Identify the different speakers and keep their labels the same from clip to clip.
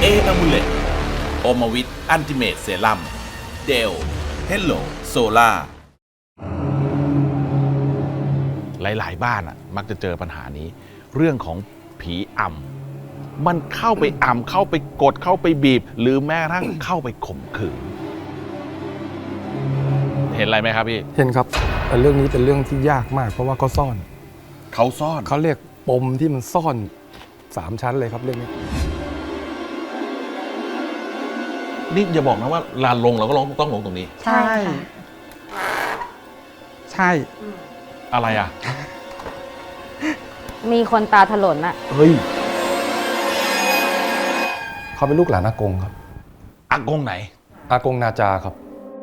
Speaker 1: อะมูเลตโอมาวิทอันติเมตเซรั่มเดลเฮลโลโซล่าหลายๆบ้านมักจะเจอปัญหานี้เรื่องของผีอำมันเข้าไปอำเข้าไปกดเข้าไปบีบหรือแม้กระทั่งเข้าไปข่มขืนเห็นอะไรไหมครับพี่
Speaker 2: เห็นครับแต่เรื่องนี้เป็นเรื่องที่ยากมากเพราะว่าเขาซ่อนเขาเรียกปมที่มันซ่อน3 ชั้นเลยครับเรื่องนี้
Speaker 1: นี่อย่าบอกนะว่าลานลงเราก็ต้องลงตรงนี้
Speaker 3: ใช่
Speaker 4: ใช่
Speaker 1: อะไรอ่ะ
Speaker 3: มีคนตาถลนอะ
Speaker 1: เฮ้ย
Speaker 2: เขาเป็นลูกหลานอากงครับ
Speaker 1: อากงไหน
Speaker 2: อากงนาจาครับ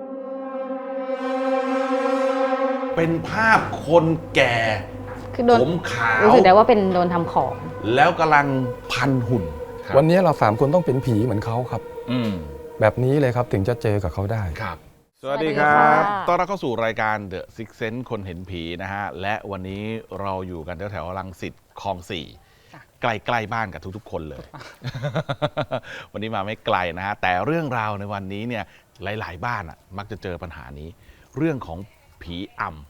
Speaker 1: เป็นภาพคนแก่
Speaker 3: คือโดน
Speaker 1: ผมขาว
Speaker 3: รู้สึกได้ว่าเป็นโดนทำของ
Speaker 1: แล้วกำลังพันหุ่น
Speaker 2: วันนี้เรา3 คนต้องเป็นผีเหมือนเขาครับ แบบนี้เลยครับถึงจะเจอกับเขาได้
Speaker 1: ครับสวัสดีครับต้อนรับเข้าสู่รายการ The Six Sense คนเห็นผีนะฮะและวันนี้เราอยู่กันแถวๆรังสิตคลอง 4ใกล้ๆบ้านกับทุกๆคนเลย วันนี้มาไม่ไกลนะฮะแต่เรื่องราวในวันนี้เนี่ยหลายๆบ้านมักจะเจอปัญหานี้เรื่องของผีอำ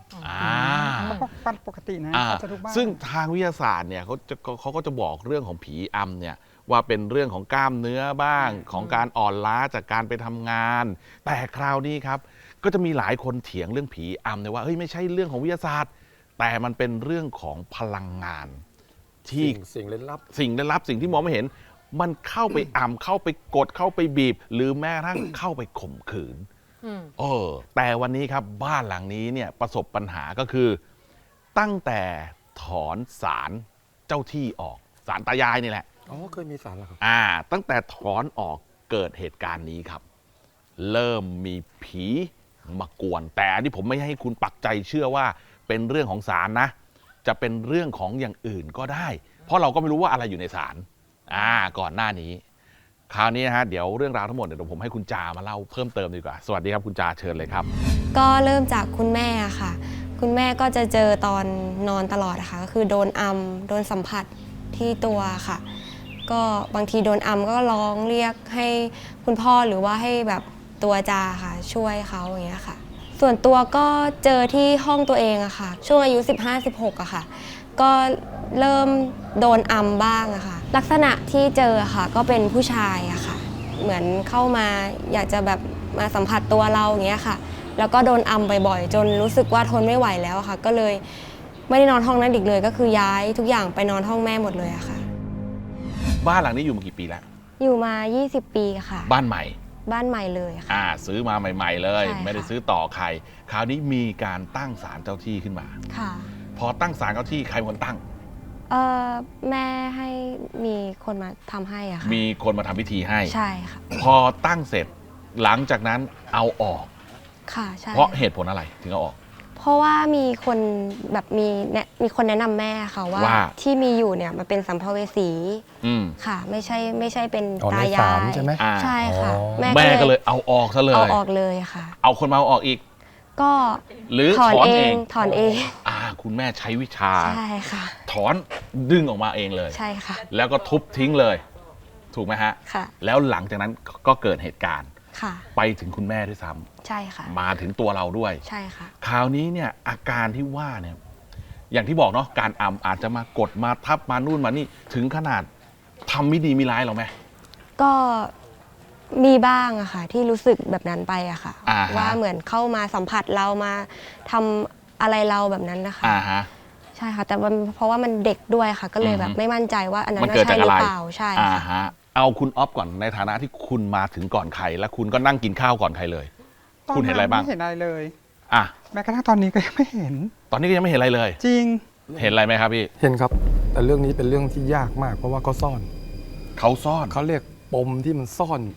Speaker 4: ปกตินะจะทุกบ้าน
Speaker 1: ซึ่งทางวิทยาศาสตร์เนี่ยเขาก็จะบอกเรื่องของผีอำเนี่ยว่าเป็นเรื่องของกล้ามเนื้อบ้างของการอ่อนล้าจากการไปทำงานแต่คราวนี้ครับก็จะมีหลายคนเถียงเรื่องผีอำเนี่ยว่าเฮ้ยไม่ใช่เรื่องของวิทยาศาสตร์แต่มันเป็นเรื่องของพลังงานที่
Speaker 2: สิ่งลึกลับ
Speaker 1: สิ่งที่มองไม่เห็นมันเข้าไปอำเข้าไปกดเข้าไปบีบหรือแม้กระทั่งเข้าไปข่มขืนแต่วันนี้ครับบ้านหลังนี้เนี่ยประสบปัญหาก็คือตั้งแต่ถอนศาลเจ้าที่ออกศาลตายายนี่แหละ
Speaker 2: เคยมีศาลแล้วครับ
Speaker 1: ตั้งแต่ถอนออกเกิดเหตุการณ์นี้ครับเริ่มมีผีมากวนแต่อันนี้ผมไม่ให้คุณปักใจเชื่อว่าเป็นเรื่องของศาลนะจะเป็นเรื่องของอย่างอื่นก็ได้เพราะเราก็ไม่รู้ว่าอะไรอยู่ในศาลก่อนหน้านี้คราวนี้นะฮะเดี๋ยวเรื่องราวทั้งหมดเดี๋ยวผมให้คุณจามาเล่าเพิ่มเติมดีกว่าสวัสดีครับคุณจาเชิญเลยครับ
Speaker 5: ก็เริ่มจากคุณแม่ค่ะคุณแม่ก็จะเจอตอนนอนตลอดค่ะก็คือโดนโดนสัมผัสที่ตัวค่ะก็บางทีโดนก็ร้องเรียกให้คุณพ่อหรือว่าให้แบบตัวจาค่ะช่วยเขาอย่างเงี้ยค่ะส่วนตัวก็เจอที่ห้องตัวเองอะค่ะช่วงอายุ 15-16อะค่ะก็เริ่มโดนบ้างอะค่ะลักษณะที่เจอค่ะก็เป็นผู้ชายอะค่ะเหมือนเข้ามาอยากจะแบบมาสัมผัสตัวเราอย่างเงี้ยค่ะแล้วก็โดนบ่อยๆจนรู้สึกว่าทนไม่ไหวแล้วค่ะก็เลยไม่ได้นอนห้องนั้นอีกเลยก็คือย้ายทุกอย่างไปนอนห้องแม่หมดเลยอะค่ะ
Speaker 1: บ้านหลังนี้อยู่มากี่ปีแล้ว
Speaker 5: อยู่มา20 ปีค่ะ
Speaker 1: บ้านใหม่
Speaker 5: เลยค่ะ
Speaker 1: ซื้อมาใหม่ๆเลยไม่ได้ซื้อต่อใครคราวนี้มีการตั้งศาลเจ้าที่ขึ้นมา
Speaker 5: ค่ะ
Speaker 1: พอตั้งศาลเจ้าที่ใครเป็นคนตั้ง
Speaker 5: แม่ให้มีคนมาทำให้อะค่ะ
Speaker 1: มีคนมาทำพิธีให้
Speaker 5: ใช่ค่ะ
Speaker 1: พอตั้งเสร็จหลังจากนั้นเอาออก
Speaker 5: ค่ะใช่
Speaker 1: เพราะเหตุผลอะไรถึงเอาออก
Speaker 5: เพราะว่ามีคนแบบมีคนแนะนำแม่ค่ะว่าที่มีอยู่เนี่ยมันเป็นสัมภเวสีค่ะไม่ใช่เป็นตายาย
Speaker 2: ใช่ไหม
Speaker 5: ใช่ค่ะ
Speaker 1: แม่ก็เลยเอาออกซะเลย
Speaker 5: เอาออกเลยค่ะ
Speaker 1: เอาคนมาเอาออกอีก
Speaker 5: ก็
Speaker 1: หรือถอนเองคุณแม่ใช้วิชา
Speaker 5: ใช่ค่ะ
Speaker 1: ถอนดึงออกมาเองเลย
Speaker 5: ใช่ค่ะ
Speaker 1: แล้วก็ทุบทิ้งเลยถูกไหมฮะ
Speaker 5: ค่ะ
Speaker 1: แล้วหลังจากนั้นก็เกิดเหตุการณ์
Speaker 5: ค่ะ
Speaker 1: ไปถึงคุณแม่ด้วยซ้
Speaker 5: ำใช่ค่ะ
Speaker 1: มาถึงตัวเราด้วย
Speaker 5: ใช่ค่ะ
Speaker 1: คราวนี้เนี่ยอาการที่ว่าเนี่ยอย่างที่บอกเนาะการอาจจะมากดมาทับมานู่นมานี่ถึงขนาดทำไม่ดีไม่ร้ายหรอไหม
Speaker 5: ก็มีบ้างอะค่ะที่รู้สึกแบบนั้นไปอะค่ะว่าเหมือนเข้ามาสัมผัสเรามาทำอะไรเราแบบนั้นนะคะใช่ค่ะแต่เพราะว่ามันเด็กด้วยค่ะก็เลยแบบไม่มั่นใจว่าอันนั้นใช่หรือเปล่าใช่
Speaker 1: ค่ะเอาคุณอ๊อฟก่อนในฐานะที่คุณมาถึงก่อนใครและคุณก็นั่งกินข้าวก่อนใครเลยคุณเห็นอะไรบ้าง
Speaker 4: ไม่เห็นอะไรเลยแม้กระทั่ง
Speaker 1: ต
Speaker 4: อนนี้ก็ยังไม่เห็น
Speaker 1: ตอนนี้ก็ยังไม่เห็นอะไรเลย
Speaker 4: จริง
Speaker 1: เห็นอะไรไหมครับพี่
Speaker 2: เห็นครับแต่เรื่องนี้เป็นเรื่องที่ยากมากเพราะว่าเขาซ่อนเขาเรียกปมที่มันซ่อน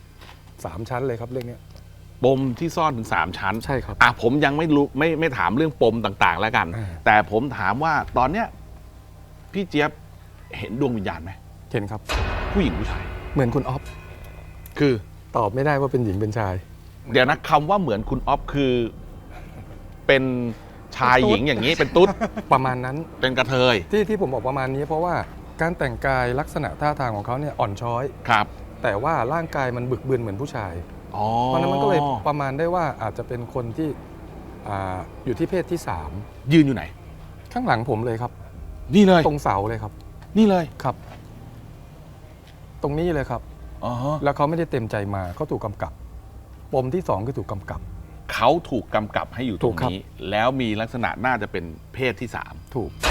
Speaker 2: 3 ชั้นเลยครับเรื่องนี้
Speaker 1: ปมที่ซ่อนถึง3 ชั้น
Speaker 2: ใช่ครับ
Speaker 1: ผมยังไม่รู้ไม่ถามเรื่องปมต่างๆแล้วกันแต่ผมถามว่าตอนเนี้ยพี่เจี๊ยบเห็นดวงวิญญาณไหม
Speaker 2: เห็นครับ
Speaker 1: ผู้หญิงผู้ชาย
Speaker 2: เหมือนคุณอ๊อฟ
Speaker 1: คือ
Speaker 2: ตอบไม่ได้ว่าเป็นหญิงเป็นชาย
Speaker 1: เดี๋ยวนะคำว่าเหมือนคุณอ๊อฟคือเป็นชายหญิงอย่างนี้เป็นตุ๊ด
Speaker 2: ประมาณนั้น
Speaker 1: เป็นกระเทย
Speaker 2: ที่ผมบอกประมาณนี้เพราะว่าการแต่งกายลักษณะท่าทางของเขาเนี่ยอ่อนช้อย
Speaker 1: ครับ
Speaker 2: แต่ว่าร่างกายมันบึกบึนเหมือนผู้ชาย
Speaker 1: อ๋อ
Speaker 2: เพราะฉะนั้นมันก็เลยประมาณได้ว่าอาจจะเป็นคนที่อยู่ที่เพศที่
Speaker 1: ยืนอยู่ไหน
Speaker 2: 3 ข้างหลังผมเลยครับ
Speaker 1: นี่เลย
Speaker 2: ตรงเสาเลยครับ
Speaker 1: นี่เลย
Speaker 2: ครับ ตรงนี้เลยครับ
Speaker 1: อ๋อ
Speaker 2: แล้วเขาไม่ได้เต็มใจมาเขาถูกกำกับ ปมที่ 2 คือถูกกำกับ
Speaker 1: เขาถูกกำกับให้อยู่ต
Speaker 2: ถู
Speaker 1: รง
Speaker 2: กครับ
Speaker 1: นี้ แล้วมีลักษณะน่าจะเป็นเพศที่
Speaker 2: ถูก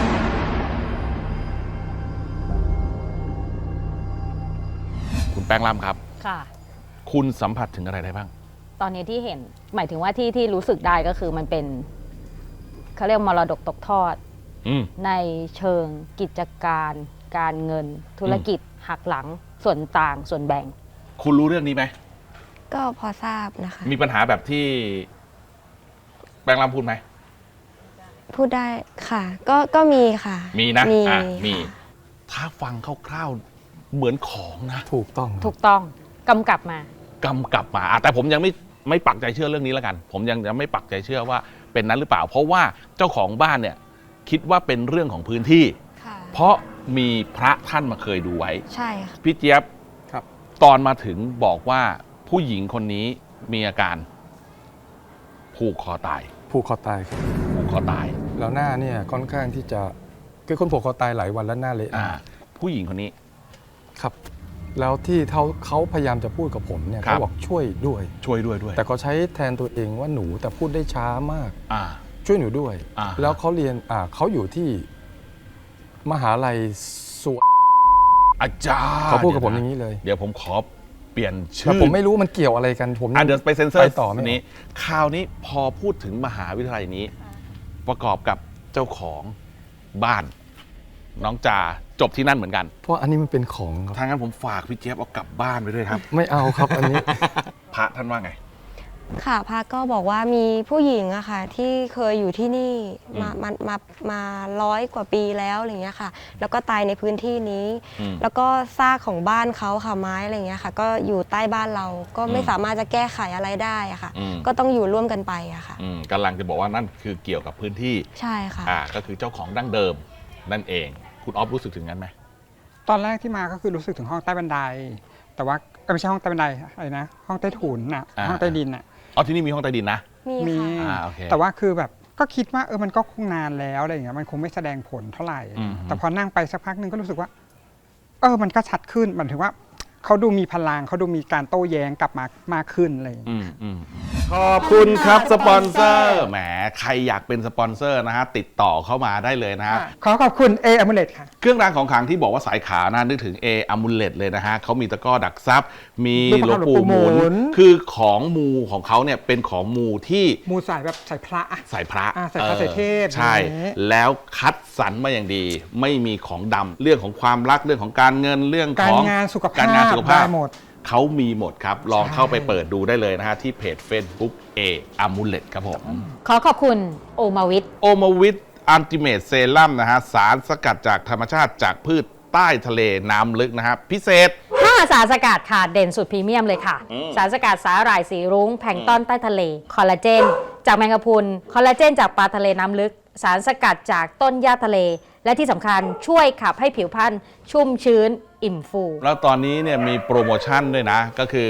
Speaker 1: 3 คุณแป้งล่ำครับ
Speaker 3: ค่ะ
Speaker 1: คุณสัมผัสถึงอะไรได้บ้าง
Speaker 3: ตอนนี้ที่เห็นหมายถึงว่าที่รู้สึกได้ก็คือมันเป็นเขาเรียกมรดกตกทอด
Speaker 1: อืม
Speaker 3: ในเชิงกิจการ การเงิน ธุรกิจ หักหลัง ส่วนต่างส่วนแบ่ง
Speaker 1: คุณรู้เรื่องนี้ไหม
Speaker 5: ก็พอทราบนะคะ
Speaker 1: มีปัญหาแบบที่แป้งล่ำพูดไหม
Speaker 5: พูดได้ค่ะ ก็มีค่ะ
Speaker 1: มีนะ
Speaker 5: มี
Speaker 1: มี
Speaker 5: ค่ะ
Speaker 1: ถ้าฟังคร่าวๆเหมือนของนะ
Speaker 2: ถูกต้อง
Speaker 3: ถูกต้องกำกับมา
Speaker 1: กำกับมาแต่ผมยังไม่ปักใจเชื่อเรื่องนี้แล้วกัน ผมยังไม่ปักใจเชื่อว่าเป็นนั้นหรือเปล่า เพราะว่าเจ้าของบ้านเนี่ยคิดว่าเป็นเรื่องของพื้นที่
Speaker 5: ค่ะ
Speaker 1: เพราะมีพระท่านมาเคยดูไว้
Speaker 5: ใช่ค่ะ
Speaker 1: พี่เจี๊ยบ
Speaker 2: ครับ
Speaker 1: ตอนมาถึงบอกว่าผู้หญิงคนนี้มีอาการผูกคอตาย
Speaker 2: ผูกคอตายครับ
Speaker 1: ผูกคอตาย
Speaker 2: แล้วหน้าเนี่ยค่อนข้างที่จะคือคนผูกคอตายหลายวันแล้วหน้าเละ
Speaker 1: ผู้หญิงคนนี้
Speaker 2: ครับ แล้วที่เขาพยายามจะพูดกับผมเนี่ย
Speaker 1: ครับ
Speaker 2: เขาบอกช่วยด้วย
Speaker 1: ช่วยด้วย
Speaker 2: แต่เขาใช้แทนตัวเองว่าหนูแต่พูดได้ช้ามาก
Speaker 1: อ่า
Speaker 2: ช่วยหนูด้วย
Speaker 1: อ่า
Speaker 2: แล้วเขาเรียนเขาอยู่ที่มหาลัยสวน
Speaker 1: อาจารย์
Speaker 2: เขาพูดกับผมอย่างนี้เลย
Speaker 1: เดี๋ยวผมขอเปลี่ยนชื่
Speaker 2: แต่
Speaker 1: อ
Speaker 2: ผมไม่รู้มันเกี่ยวอะไรกันผม
Speaker 1: เดี๋ยวไปเซ็นเซอร์
Speaker 2: ไปต่อไม่
Speaker 1: นี้คราวนี้พอพูดถึงมหาวิทยาลัยนี้ ประกอบกับเจ้าของบ้าน น้องจาจบที่นั่นเหมือนกัน
Speaker 2: เพราะอันนี้มันเป็นของครับ
Speaker 1: ทางนั้นผมฝากพี่เจี๊ยบเอากลับบ้านไปด้วยครับ
Speaker 2: ไม่เอาครับอันนี้
Speaker 1: พระท่านว่าไง
Speaker 5: ค่ะพระก็บอกว่ามีผู้หญิงอะค่ะที่เคยอยู่ที่นี่
Speaker 1: อืม
Speaker 5: มา100 กว่าปีแล้วอะไรเงี้ยค่ะ แล้วก็ตายในพื้นที่นี้
Speaker 1: อืม
Speaker 5: แล้วก็ซากของบ้านเขาค่ะไม้อะไรเงี้ยค่ะ ก็อยู่ใต้บ้านเราก็ไม่
Speaker 1: อืม
Speaker 5: สามารถจะแก้ไขอะไรได้อะค่ะ
Speaker 1: อืม
Speaker 5: ก็ต้องอยู่ร่วมกันไปอะค่ะ
Speaker 1: กำลังจะบอกว่านั่นคือเกี่ยวกับพื้นที่
Speaker 5: ใช่ค่ะ
Speaker 1: ก็คือเจ้าของดั้งเดิมนั่นเอง คุณออฟรู้สึกถึงนั้นไหม
Speaker 4: ตอนแรกที่มาก็คือรู้สึกถึงห้องใต้บันได แต่ว่าไม่ใช่ห้องใต้บันไดอะไรนะ ห้องใต้ถุนน่ะ ห้องใต้ดินน่ะ
Speaker 1: อ๋อที่นี่มีห้องใต้ดินนะ
Speaker 5: มี
Speaker 4: มี
Speaker 5: ค่ะ
Speaker 1: โอเค
Speaker 4: แต่ว่าคือแบบก็คิดว่ามันก็คงนานแล้วอะไรอย่างเงี้ยมันคงไม่แสดงผลเท่าไหร่
Speaker 1: อืม
Speaker 4: แต่พอนั่งไปสักพักหนึ่งก็รู้สึกว่ามันก็ชัดขึ้นหมายถึงว่าเขาดูมีพลังเขาดูมีการโต้แย้งกลับมามากขึ้นอะไรอย่างเงี้ย
Speaker 1: ขอบคุณครับสปอนเซอร์แหมใครอยากเป็นสปอนเซอร์นะฮะติดต่อเข้ามาได้เลยนะฮะ
Speaker 4: ขอขอบคุณ A Amulet ค่ะ
Speaker 1: เครื่องรางของขลังที่บอกว่าสายขาวนะนึกถึง A Amulet เลยนะฮะเขามีตะกร้อดักทรัพย์ มีหลวงปู่หมุ
Speaker 4: หลวงปู่หมุ
Speaker 1: น
Speaker 4: น
Speaker 1: คือของมูของเขาเนี่ยเป็นของมูที่
Speaker 4: มูสายแบบสายพระอะ
Speaker 1: สายพระ
Speaker 4: สายพระสายเทพ
Speaker 1: ใช่
Speaker 4: อย่างนี้
Speaker 1: แล้วคัดสรรมาอย่างดี ไม่มีของดำเรื่องของความรักเรื่องของการเงินเรื่อง
Speaker 4: กา
Speaker 1: ข
Speaker 4: ร
Speaker 1: อง
Speaker 4: งานสุขภาพ
Speaker 1: การงานสุขภาพ
Speaker 4: ได้หมด
Speaker 1: เขามีหมดครับ ลอง
Speaker 4: ใช่
Speaker 1: เข้าไปเปิดดูได้เลยนะฮะที่เพจ Facebook A Amulet ครับผม
Speaker 3: ขอขอบคุณโอมาวิท
Speaker 1: โอมาวิทอัลติเมทเซรั่มนะฮะสารสกัดจากธรรมชาติจากพืชใต้ทะเลน้ำลึกนะฮะพิเศษ
Speaker 3: 5 สารสกัดค่ะเด่นสุดพรีเมียมเลยค่ะ สารสกัดสาหร่ายสีรุ้งแพลงก์ต้นใต้ทะเล คอลลาเจน จากแมงกะพรุน คอลลาเจนจากปลาทะเลน้ำลึก สารสกัดจากต้นหญ้าทะเล และที่สำคัญช่วยขับให้ผิวพรรณชุ่มชื้น อิ่มฟู
Speaker 1: แล้วตอนนี้เนี่ยมีโปรโมชั่นด้วยนะ ก็คือ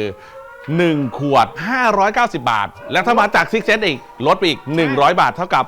Speaker 1: 1 ขวด 590 บาท แล้วถ้ามาจากซิกเซนอีก ลดไปอีก 100 บาทเท่ากับ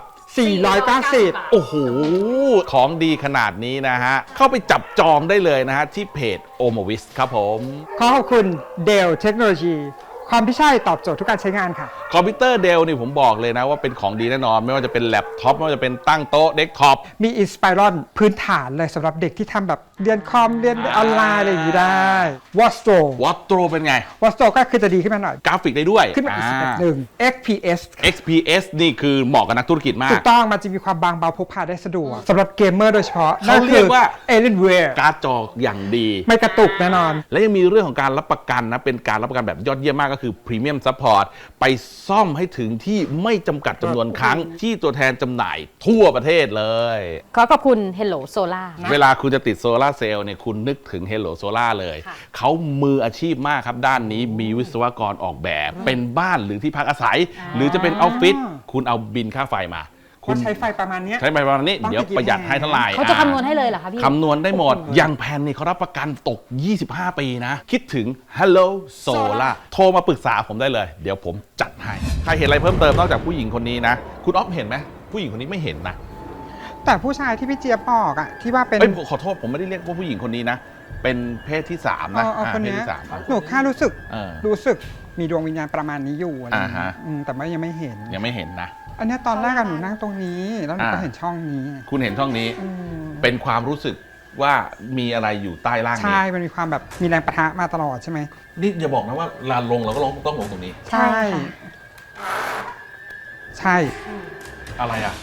Speaker 4: 490
Speaker 1: โอ้โห ของดีขนาดนี้นะฮะ เข้าไปจับจองได้เลยนะฮะ ที่เพจโอมวิสครับผม
Speaker 4: ขอขอบคุณ Dell Technology ความที่ใช่ตอบโจทย์ทุกการใช้งานค่ะ
Speaker 1: คอมพิวเตอร์เดลนี่ผมบอกเลยนะว่าเป็นของดีแน่นอน ไม่ว่าจะเป็นแล็ปท็อปไม่ว่าจะเป็นตั้งโต๊ะเดสก์ท็อป
Speaker 4: มี Inspiron พื้นฐานเลยสำหรับเด็กที่ทำแบบเรียนคอมเรียนออนไลน์อะไรอย่างนี้ได้ Wastro
Speaker 1: วอตโตรเป็นไง
Speaker 4: Wastro ก็คือจะดีขึ้นมาหน่อย
Speaker 1: กราฟิกได้ด้วย
Speaker 4: ขึ้นมาอีกสเต็ปหนึ่ง XPS
Speaker 1: XPS นี่คือเหมาะกับนักธุรกิจมา
Speaker 4: ถู
Speaker 1: ก
Speaker 4: กต้องมันจะมีความบางเบาพกพาได้สะดวกสำหรับเกมเมอร์โดยเฉพาะ
Speaker 1: เขาเรียกว่า
Speaker 4: Alienware
Speaker 1: การ์ดจออย่างดี
Speaker 4: ไม่กระตุกแน่นอน
Speaker 1: และยังมีเรื่องของการรับประกันนะ เป็นการรับประกันแบบยอดเยี่ยมมากก็คือ Premium Support ไปซ่อมให้ถึงที่ไม่จำกัดจำนวนครั้งที่ตัวแทนจำหน่ายทั่วประเทศเลย
Speaker 3: ขอขอบคุณ Hello Solar
Speaker 1: เวลาคุณจะติดโซลาร์เซลล์เนี่ยคุณนึกถึง Hello Solar เลย
Speaker 3: ค่ะ
Speaker 1: เขามืออาชีพมากครับ ด้านนี้มีวิศวกรออกแบบ เป็นบ้านหรือที่พักอาศัย หรือจะเป็นออฟฟิศคุณเอาบินค่าไฟมา
Speaker 4: ก็ใช้ไฟประมาณเนี้ย
Speaker 1: ใช้ไปประมาณนี้
Speaker 4: ต้อง
Speaker 1: เดี๋ยวประหยัดให้เท่าไหร่
Speaker 3: เขาจะคำนวณให้เลยเหรอคะพี่
Speaker 1: คำนวณได้หมด
Speaker 4: โอ้โห
Speaker 1: อย่างแผ่นนี่เขารับประกันตก 25 ปีนะ คิดถึง Hello Solar โทรมาปรึกษาผมได้เลย เดี๋ยวผมจัดให้ ใครเห็นอะไรเพิ่มเติมนอกจากผู้หญิงคนนี้นะ คุณอ๊อฟเห็นไหมผู้หญิงคนนี้ไม่เห็นนะ
Speaker 4: แต่ผู้ชายที่พี่เจี๊ยบบอกอะที่ว่าเป็น
Speaker 1: เอ้ยขอโทษผมไม่ได้เรียกว่าผู้หญิงคนนี้นะ เป็นเพศที่ 3 นะ
Speaker 4: คน
Speaker 1: เพศ
Speaker 4: เนี้ย
Speaker 1: ที่ 3ครับ
Speaker 4: หนูแค่รู้สึก
Speaker 1: เออ
Speaker 4: มีดวงวิญญาณประมาณนี้อยู่อะไรอย่างเงี้ย
Speaker 1: อ่าฮะ
Speaker 4: แต่ว่ายังไม่เห็น
Speaker 1: ยังไม่เห็นนะ
Speaker 4: อันเนี้ยตอนแรกอะหนูนั่งตรงนี้ แล้วหนูก็เห็นช่องนี้
Speaker 1: คุณเห็นช่องนี้
Speaker 4: อืม
Speaker 1: เป็นความรู้สึกว่ามีอะไรอยู่ใต้ล่างนี้
Speaker 4: ใช่ มันมีความแบบมีแรงปะทะมาตลอดใช่ไหม
Speaker 1: นี่อย่าบอกนะว่าลานลงเราก็ต้องลงตรงนี้
Speaker 3: ใช่ค่ะ
Speaker 4: ใช่
Speaker 1: อะไรอ่ะ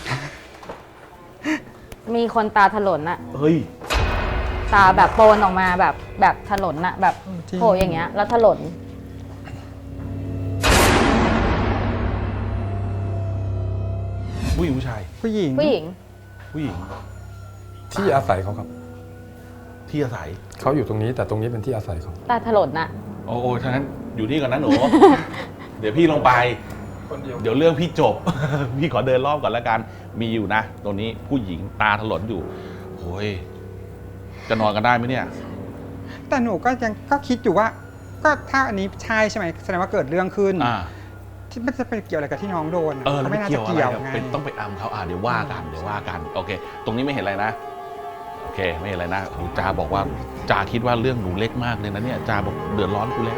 Speaker 3: มีคนตาถลนอะ
Speaker 1: เฮ้ย
Speaker 3: ตาแบบโปนออกมาแบบถลนอะแบบโผล่อย่างเงี้ยแล้วถลน
Speaker 1: ผู้หญิงผู้ชาย
Speaker 4: ผู้หญิง
Speaker 3: ผู้หญิง
Speaker 1: ผู้หญิง
Speaker 2: ที่อาศัยเขาครับ
Speaker 1: ที่อาศัย
Speaker 2: เขาอยู่ตรงนี้แต่ตรงนี้เป็นที่อาศัยเขา
Speaker 3: ตาถลนอะ
Speaker 1: โอ้ฉะนั้นอยู่นี่ก่อนนะหนู เดี๋ยวพี่ลงไป เดี๋ยวเรื่องพี่จบ พี่ขอเดินรอบก่อนแล้วกัน มีอยู่นะ ตรงนี้ผู้หญิงตาถลนอยู่โอ้ยจะนอนกันได้ไหมเนี่ย
Speaker 4: แต่หนูก็ยังก็คิดอยู่ว่า ก็ถ้าอันนี้ใช่ใช่ไหมแสดงว่าเกิดเรื่องขึ้น
Speaker 1: อ่า
Speaker 4: ที่มันจะไปเกี่ยวอะไรกับที่น้องโดนอะ
Speaker 1: แล้ว
Speaker 4: ไม่
Speaker 1: ไม่
Speaker 4: น่า
Speaker 1: เกี่
Speaker 4: จะ
Speaker 1: ยวอะไร
Speaker 4: เกี่ยว
Speaker 1: อะ
Speaker 4: ไง
Speaker 1: เป็นต้องไปอำเขาเดี๋ยวว่ากันโอเค ตรงนี้ไม่เห็นอะไรนะ โอเค ไม่เห็นอะไรนะโอ้จาบอกว่าจาคิดว่าเรื่องหนูเล็กมากเลยนะเนี่ยจาบอกเดือดร้อนกูแล้ว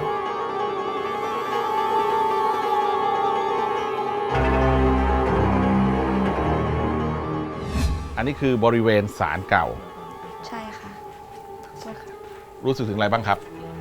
Speaker 1: อันนี้คือบริเวณศาลเก่า
Speaker 5: ใช่ค่ะ
Speaker 1: รู้สึกถึงอะไรบ้างครับ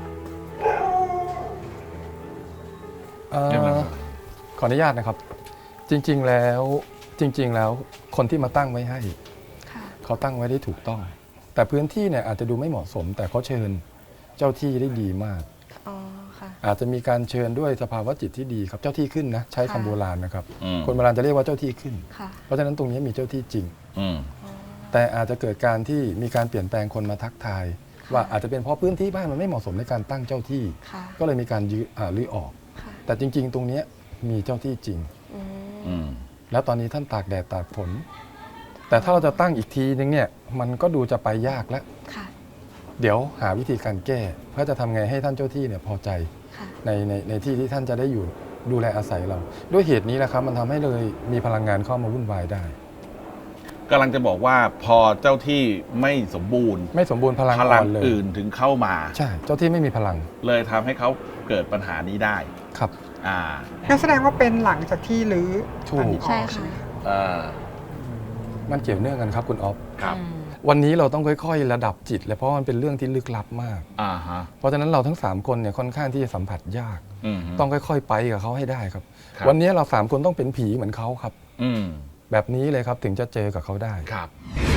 Speaker 2: เอ่อ
Speaker 1: เรียบร้อย
Speaker 2: ขออนุญาตนะครับ จริง ๆ แล้วคนที่มาตั้งไว้ให้
Speaker 5: ค่ะ
Speaker 2: เขาตั้งไว้ได้ถูกต้อง แต่พื้นที่เนี่ยอาจจะดูไม่เหมาะสม แต่เขาเชิญเจ้าที่ได้ดีมาก
Speaker 5: อ๋อ ค่ะ
Speaker 2: อาจจะมีการเชิญด้วยสภาวะจิตที่ดีครับเจ้าที่ขึ้นนะใช้คำ
Speaker 5: ค่ะ
Speaker 2: โบราณนะครับ
Speaker 1: อืม
Speaker 2: คนโบราณจะเรียกว่าเจ้าที่ขึ้น
Speaker 5: ค่ะ
Speaker 2: เพราะฉะนั้นตรงนี้มีเจ้าที่จริง
Speaker 1: อืม
Speaker 2: แต่อาจจะเกิดการที่มีการเปลี่ยนแปลงคนมาทักทาย ว่าอาจจะเป็นเพราะพื้นที่บ้านมันไม่เหมาะสมในการตั้งเจ้าที่
Speaker 5: ค่ะ
Speaker 2: ก็เลยมีการรื้อออก
Speaker 5: ค่ะ
Speaker 2: แต่จริง ๆ ตรงเนี้ยมีเจ้าที่จริง
Speaker 5: อืม
Speaker 1: อืม
Speaker 2: แล้วตอนนี้ท่านตากแดดตากฝน แต่ถ้าเราจะตั้งอีกทีนึงเนี่ยมันก็ดูจะไปยากแล้ว
Speaker 5: ค่ะ
Speaker 2: เดี๋ยวหาวิธีการแก้เพื่อจะทำไงให้ท่านเจ้าที่เนี่ยพอใจ
Speaker 5: ค่ะ
Speaker 2: ในที่ที่ท่านจะได้อยู่ดูแลอาศัยเรา ด้วยเหตุนี้แหละครับมันทำให้เลยมีพลังงานเข้ามาวุ่นวายได้
Speaker 1: กำลังจะบอกว่าพอเจ้าที่ไม่สมบูรณ์
Speaker 2: ไม่สมบูรณ์พลัง
Speaker 1: พ
Speaker 2: อ่
Speaker 1: ลั
Speaker 2: อง นเลย
Speaker 1: อื่นถึงเข้ามา
Speaker 2: ใช่เจ้าที่ไม่มีพลัง
Speaker 1: เลยทำให้เขาเกิดปัญหานี้ได้
Speaker 2: ครับ
Speaker 1: อ่า
Speaker 4: ก็แสดงว่าเป็นหลังจากที่รื้อ
Speaker 2: ถูก
Speaker 4: อันนี้ออก
Speaker 5: ใช่
Speaker 4: ใช่
Speaker 5: ค่ะ
Speaker 4: ไหม
Speaker 1: เออ
Speaker 2: มันเกี่ยวเนื่องกันครับคุณอ๊อฟ
Speaker 1: ครับ
Speaker 2: วันนี้เราต้องค่อยๆ ระดับจิตเลยเพราะมันเป็นเรื่องที่ลึกลับมาก
Speaker 1: อ่าฮะ
Speaker 2: เพราะฉะนั้นเราทั้ง 3 คนเนี่ยค่อนข้างที่จะสัมผัสยาก
Speaker 1: อืม
Speaker 2: ต้องค่อยๆ ไปกับเขาให้ได้ครับ
Speaker 1: ครับ
Speaker 2: วันนี้เรา 3 คนต้องเป็นผีเหมือนเขาครับ
Speaker 1: อืม
Speaker 2: แบบนี้เลยครับถึงจะเจอกับเขาได้
Speaker 1: ครับ